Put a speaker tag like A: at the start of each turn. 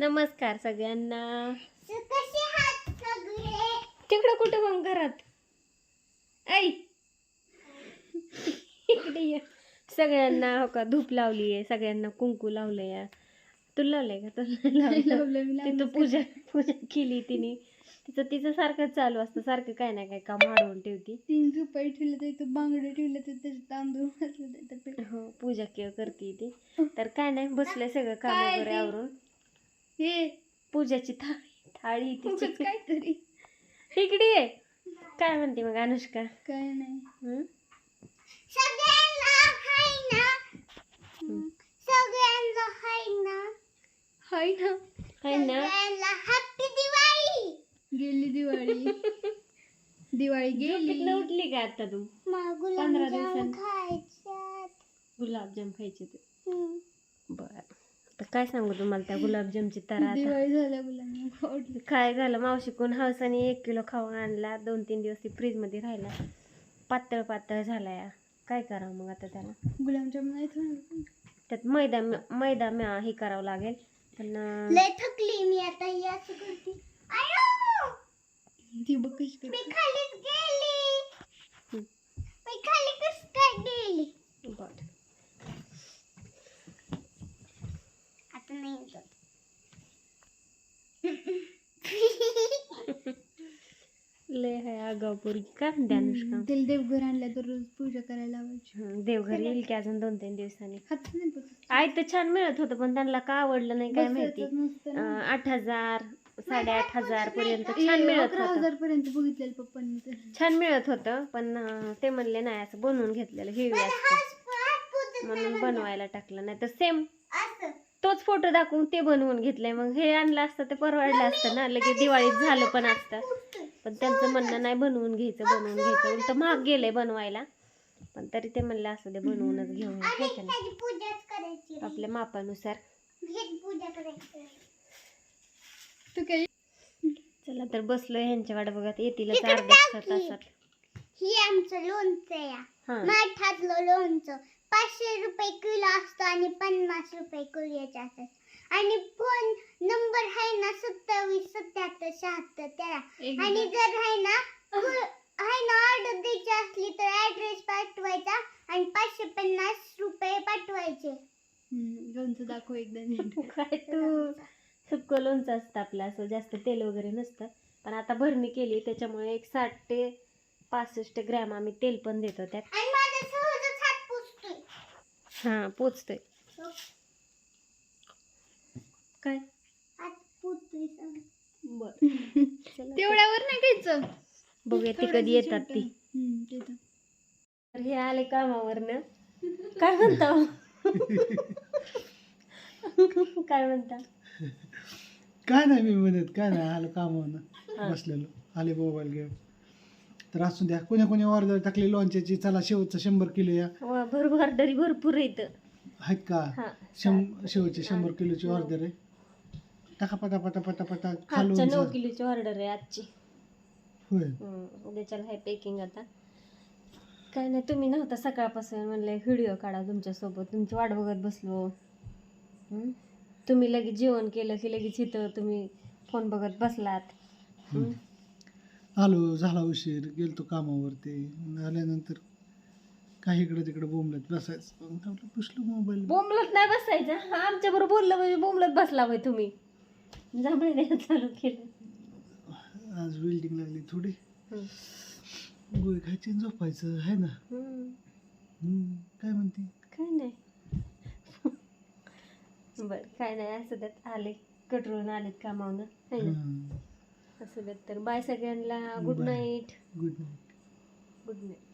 A: नमस्कार सगळ्यांना.
B: कसे आहात सगळे?
A: तिकडं कुठं मग घरात ऐ इकडे ये. सगळ्यांना हो का धूप लावली आहे, सगळ्यांना कुंकू लावलंय. तुला लावलंय का? तुला लावलं. तिथं पूजा पूजा केली तिने. तिचं सारखं चालू असतं, सारखं काय ना काय काम वाढवून ठेवती.
B: 3 रुपये ठेवले तर इथं बांगडे ठेवले तर त्याचे तांदूळ घातले.
A: हो पूजा करते ती. तर काय नाही, बसलंय सगळं काम वगैरे आवरून.
B: हे
A: पूजाची थाळी तिची
B: काहीतरी
A: इकडे ये. काय म्हणते मग अनुष्का?
B: काय नाही.
A: सगळ्यांना
B: हाय ना
A: हॅपी दिवाळी.
B: गेली दिवाळी. दिवाळी गेली.
A: उठली का आता तू? 15 दिवसांनी गुलाबजाम खायचे ते. बर, तर काय सांगू तुम्हाला त्या गुलाबजामची. तर आता
B: दिवाळी झाल्या मुलांना
A: काय झालं, मावशी कोण हौसाने 1 किलो खाऊन आणला. 2-3 दिवस ती फ्रीज मध्ये राहिला. पातळ पातळ झालाय. काय करावं मग आता त्याला?
B: गुलाबजाम नाही
A: त्यात मैदा हे करावं लागेल. पण
B: लय थकली मी आता. ही असं करते. ती बघ कशी
A: बर
B: आता नाही
A: लय आहे आगाऊ पोरगी. काय म्हणते अनुष्का?
B: तिला देवघर आणल्या तर रोज पूजा करायला लावायची.
A: देवघर येईल की अजून 2-3 दिवसांनी.
B: हात नाही बसत.
A: आई तर छान मिळत होतं, पण त्यांना का आवडलं नाही काय माहिती.
B: बसायचंच नसतं ना.
A: 8,000 8,500 पर्यंत छान मिळत
B: 11,000 पर्यंत बघितलेलं पप्पांनी तर.
A: छान मिळत होतं. पण ते म्हणले नाही, असं बनवून घेतलेलं हेवी असतं म्हणून बनवायला टाकलं. नाही तर सेम तोच फोटो दाखवून ते बनवून घेतलंय. मग हे आणलं असतं ते परवडलं असतं ना, लगेच दिवाळीत झालं पण असतं. पण त्यांचं म्हणणं नाही बनवून घ्यायचं उलट महाग गेलंय बनवायला. पण तरी ते म्हणलं असं ते बनवूनच घेऊन आपल्या मापानुसार.
B: तू काय
A: चला तर बसलोय ह्यांच्या वाट बघत. येतीलच अर्ध्या तासात.
B: ही आमचं लोणचं या. माठातलं लोणचं 500 रुपये किलो असतं आणि 50 रुपये किलोचे असतात. आणि फोन नंबर आहे ना 27 77 76 13. आणि जर आहे ना ऑर्डर द्यायची असली तर ऍड्रेस पाठवायचा आणि 550 रुपये पाठवायचे. लोणचं दाखव एकदा.
A: काय तू सुक्कं लोणचं असतं आपलं, असं जास्त तेल वगैरे नसतं. पण आता भरणी केली त्याच्यामुळे एक 60 ते 65 ग्रॅम आम्ही तेल पण देतो त्यात. हा पोचतोय. काय बर
B: तेवढ्यावर नाही घ्यायचं.
A: बघूया ती कधी येतात ती. तर हे आले कामावरनं. काय म्हणता काय म्हणता?
C: काय नाही मी म्हणत, काय नाही. आलं कामावरनं बसलेलो, आले मोबाईल घेऊन. तर असू द्या. कोणी ऑर्डर टाकली लोणच्याची. चला शेवटचं 100 किलो या.
A: भरपूर ऑर्डरी भरपूर येतं
C: आहेत का? शेवटची 100 किलोची ऑर्डर आहे. टाका पटा खालून.
A: 9 किलोची ऑर्डर आहे आजची.
C: होय.
A: उद्याच्याला आहे पेकिंग. आता काय नाही, तुम्ही नव्हता सकाळपासून. म्हणलं व्हिडिओ काढा तुमच्यासोबत. तुमची वाट बघत बसलो. तुम्ही लगेच जेवण केलं की लगेच इथं तुम्ही फोन बघत बसलात.
C: आलो, झाला उशीर, गेलतो कामावरती. आल्यानंतर काही इकडे तिकडे बोंबलत बसायचं. पुसलो मोबाईल.
A: बोंबलत नाही बसायचं. आमच्या बरोबर बोललं म्हणजे बोंबलत बसला होय तुम्ही. जांभळे द्यायला चालू केलं.
C: आज वेल्डिंग लागली थोडी. गोळी खायची आणि झोपायचं आहे ना. काय म्हणते?
A: काय नाही. बर काय नाही, असं त्यात आले कटरून आलेत कामावनं. असं त्यात तर बाय सगळ्यांना. Good night.
C: Good night.
A: Good night.